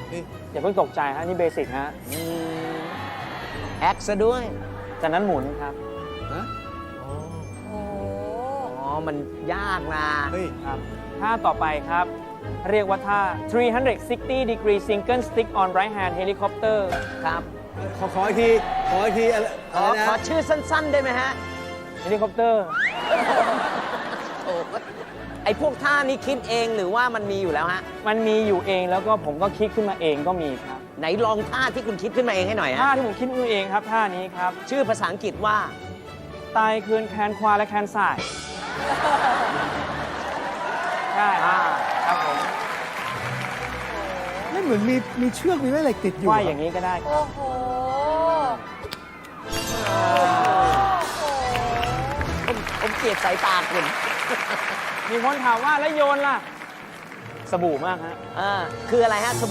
อย่าเพิ่งตกใจฮะนี่เบสิกฮะแอคซะด้วยจากนั้นหมุนครับฮะโอ้โหอ๋อ มันยากนะเฮ้ยครับท่าต่อไปครับ เรียกว่าท่า 360 degree single stick on right hand helicopter ครับขออีกที ขออีกทีอะไรขอนะชื่อสั้น ๆ ได้ไหมฮะ helicopter โอ้ไอพวกท่านี้คิดเองหรือว่ามันมีอยู่แล้วฮะมันมีอยู่เองแล้วก็ผมก็คิดขึ้นมาเองก็มีครับไหนลองท่าที่คุณคิดขึ้นมาเองให้หน่อยท่าฮะที่ผมคิดขึ้นมาเองครับท่านี้ครับชื่อภาษาอังกฤษว่าไตคืนแคนควาและแคนสายใช่ครับผมไม่เหมือนมีเชือกมีแม่เหล็กติดอยู่ว่ายอย่างนี้ก็ได้ครับโอ้โหผมเกลียดสายตาคุณมีคนถามว่าแล้วโยนล่ะ สบู่มากฮะคืออะไรฮะ